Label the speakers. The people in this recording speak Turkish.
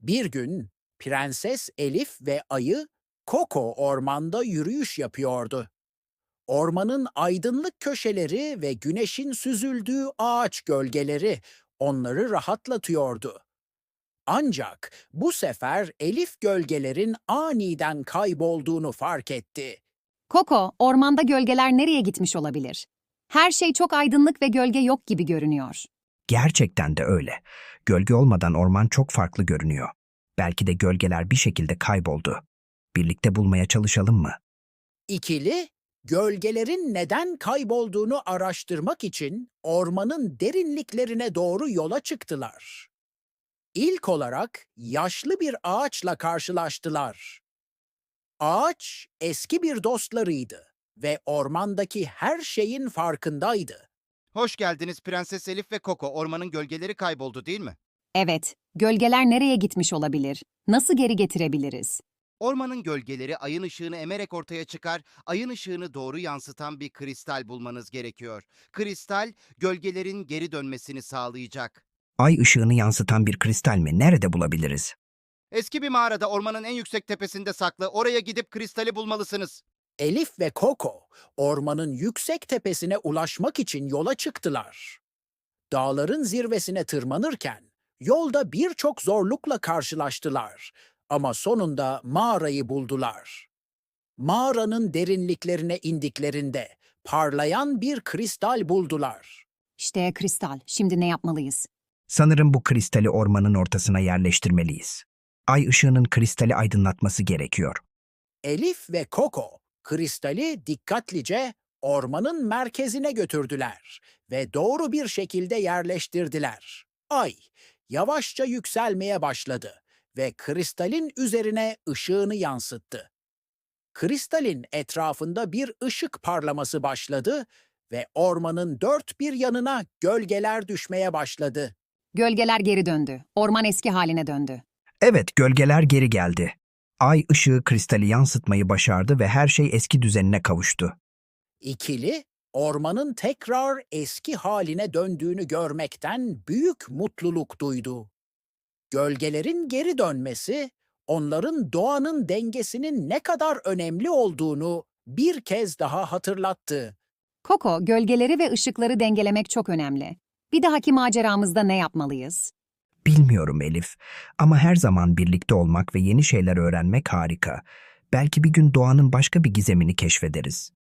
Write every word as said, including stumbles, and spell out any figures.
Speaker 1: Bir gün Prenses Elif ve ayı Koko ormanda yürüyüş yapıyordu. Ormanın aydınlık köşeleri ve güneşin süzüldüğü ağaç gölgeleri onları rahatlatıyordu. Ancak bu sefer Elif gölgelerin aniden kaybolduğunu fark etti.
Speaker 2: Koko, ormanda gölgeler nereye gitmiş olabilir? Her şey çok aydınlık ve gölge yok gibi görünüyor.
Speaker 3: Gerçekten de öyle. Gölge olmadan orman çok farklı görünüyor. Belki de gölgeler bir şekilde kayboldu. Birlikte bulmaya çalışalım mı?
Speaker 1: İkili, gölgelerin neden kaybolduğunu araştırmak için ormanın derinliklerine doğru yola çıktılar. İlk olarak yaşlı bir ağaçla karşılaştılar. Ağaç eski bir dostlarıydı ve ormandaki her şeyin farkındaydı.
Speaker 4: Hoş geldiniz Prenses Elif ve Koko. Ormanın gölgeleri kayboldu değil mi?
Speaker 2: Evet, gölgeler nereye gitmiş olabilir? Nasıl geri getirebiliriz?
Speaker 4: Ormanın gölgeleri ayın ışığını emerek ortaya çıkar, ayın ışığını doğru yansıtan bir kristal bulmanız gerekiyor. Kristal, gölgelerin geri dönmesini sağlayacak.
Speaker 3: Ay ışığını yansıtan bir kristal mi? Nerede bulabiliriz?
Speaker 4: Eski bir mağarada ormanın en yüksek tepesinde saklı. Oraya gidip kristali bulmalısınız.
Speaker 1: Elif ve Koko, ormanın yüksek tepesine ulaşmak için yola çıktılar. Dağların zirvesine tırmanırken yolda birçok zorlukla karşılaştılar ama sonunda mağarayı buldular. Mağaranın derinliklerine indiklerinde parlayan bir kristal buldular.
Speaker 2: İşte kristal, şimdi ne yapmalıyız?
Speaker 3: Sanırım bu kristali ormanın ortasına yerleştirmeliyiz. Ay ışığının kristali aydınlatması gerekiyor.
Speaker 1: Elif ve Koko kristali dikkatlice ormanın merkezine götürdüler ve doğru bir şekilde yerleştirdiler. Ay yavaşça yükselmeye başladı ve kristalin üzerine ışığını yansıttı. Kristalin etrafında bir ışık parlaması başladı ve ormanın dört bir yanına gölgeler düşmeye başladı.
Speaker 2: Gölgeler geri döndü. Orman eski haline döndü.
Speaker 3: Evet, gölgeler geri geldi. Ay ışığı kristali yansıtmayı başardı ve her şey eski düzenine kavuştu.
Speaker 1: İkili, ormanın tekrar eski haline döndüğünü görmekten büyük mutluluk duydu. Gölgelerin geri dönmesi, onların doğanın dengesinin ne kadar önemli olduğunu bir kez daha hatırlattı.
Speaker 2: Koko, gölgeleri ve ışıkları dengelemek çok önemli. Bir dahaki maceramızda ne yapmalıyız?
Speaker 3: Bilmiyorum Elif, ama her zaman birlikte olmak ve yeni şeyler öğrenmek harika. Belki bir gün doğanın başka bir gizemini keşfederiz.